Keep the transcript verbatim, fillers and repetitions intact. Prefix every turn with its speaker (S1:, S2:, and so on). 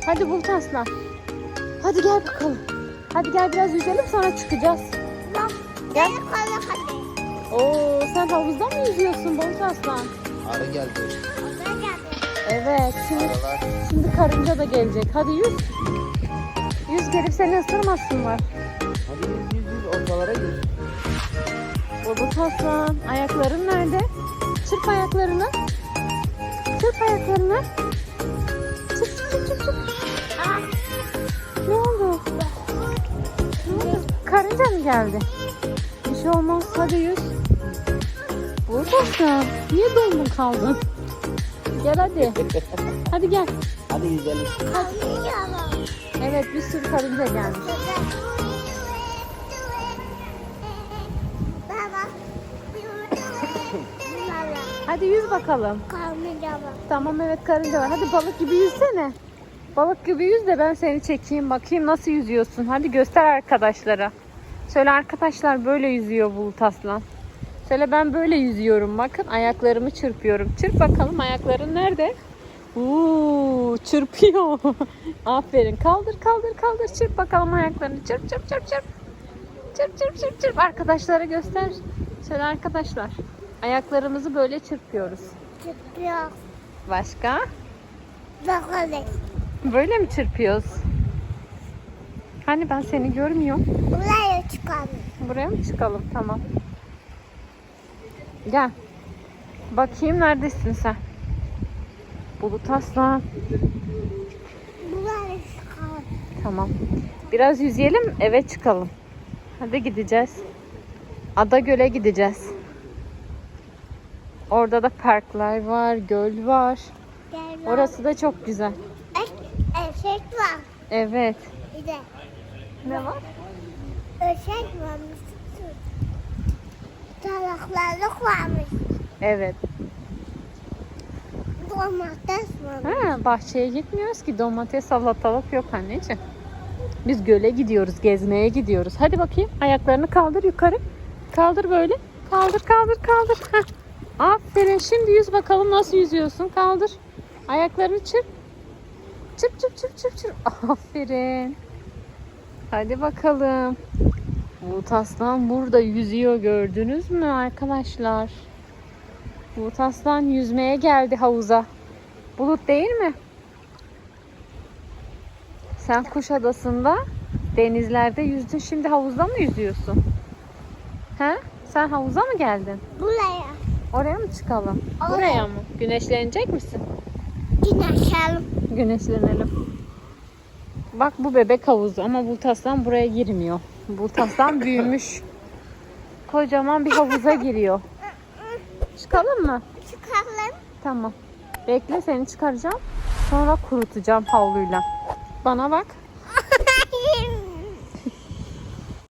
S1: Hadi Bulut Aslan. Hadi gel bakalım. Hadi gel biraz yüzelim sonra çıkacağız.
S2: Bak.
S1: Gel.
S2: Hadi hadi.
S1: Oo, sen havuzda mı yüzüyorsun Bulut Aslan?
S3: Arı geldi.
S2: Orada geldi.
S1: Evet. Şimdi,
S3: Arılar.
S1: şimdi karınca da gelecek. Hadi yüz. Yüz gelip seni ısırmasınlar.
S3: Hadi yüz yüz yüz ortalara gir.
S1: Bulut Aslan. Ayakların nerede? Çırp ayaklarını. Çırp ayaklarını. Çırp çırp çırp çırp. çırp.
S2: Aa.
S1: Ne oldu? Ne oldu? Karınca mı geldi? Bir şey olmaz. Hadi yüz. Bulut Aslan. Niye dondun kaldın? Gel hadi. Hadi gel.
S3: Hadi yüzelim.
S2: Kalkıyorum.
S1: Evet, bir sürü karınca gelmiş.
S2: Baba. Baba.
S1: Hadi yüz bakalım.
S2: Kalmayacağım.
S1: Tamam, evet, karınca var. Hadi balık gibi yüzsene. Balık gibi yüz de ben seni çekeyim, bakayım nasıl yüzüyorsun. Hadi göster arkadaşlara. Söyle, arkadaşlar böyle yüzüyor Bulut Aslan. Söyle, ben böyle yüzüyorum. Bakın, ayaklarımı çırpıyorum. Çırp bakalım, ayakların nerede? Uuu, çırpıyor. Aferin. Kaldır kaldır kaldır. Çırp bakalım ayaklarını. Çırp çırp çırp çırp. Çırp çırp çırp çırp. Arkadaşlara göster. Söyle arkadaşlar. Ayaklarımızı böyle çırpıyoruz.
S2: Çıkıyor.
S1: Başka?
S2: Bakalım.
S1: Böyle mi çırpıyoruz? Hani ben seni görmüyorum.
S2: Buraya çıkalım.
S1: Buraya mı çıkalım? Tamam. Gel. Bakayım, neredesin sen? Bulut Aslan.
S2: Buraya çıkalım.
S1: Tamam. Biraz yüzeyelim, eve çıkalım. Hadi gideceğiz. Adagöl'e gideceğiz. Orada da parklar var, göl var.
S2: Gel.
S1: Orası da çok güzel.
S2: Eşek var.
S1: Evet.
S2: Bir de
S1: Ne var?
S2: eşek varmış. Salaklarlık varmış.
S1: Evet.
S2: Domates varmış.
S1: Ha, bahçeye gitmiyoruz ki, domates, salatalık yok anneciğim. Biz göle gidiyoruz, gezmeye gidiyoruz. Hadi bakayım, ayaklarını kaldır yukarı. Kaldır böyle. Kaldır kaldır kaldır. Heh. Aferin. Şimdi yüz bakalım, nasıl yüzüyorsun. Kaldır. Ayaklarını çırp. Çırp çırp çırp çırp çırp. Aferin. Hadi bakalım. Bulut Aslan burada yüzüyor, gördünüz mü arkadaşlar? Bulut Aslan yüzmeye geldi havuza. Bulut değil mi? Sen Kuşadası'nda denizlerde yüzdün. Şimdi havuzda mı yüzüyorsun? He? Sen havuza mı geldin?
S2: Buraya.
S1: Oraya mı çıkalım?
S2: Oraya.
S1: Buraya mı? Güneşlenecek misin?
S2: Güneşelim.
S1: Güneşlenelim. Bak, bu bebek havuzu ama Bulut Aslan buraya girmiyor. Bulut Aslan büyümüş. Kocaman bir havuza giriyor. Çıkalım mı?
S2: Çıkalım.
S1: Tamam. Bekle, seni çıkaracağım. Sonra kurutacağım havluyla. Bana bak.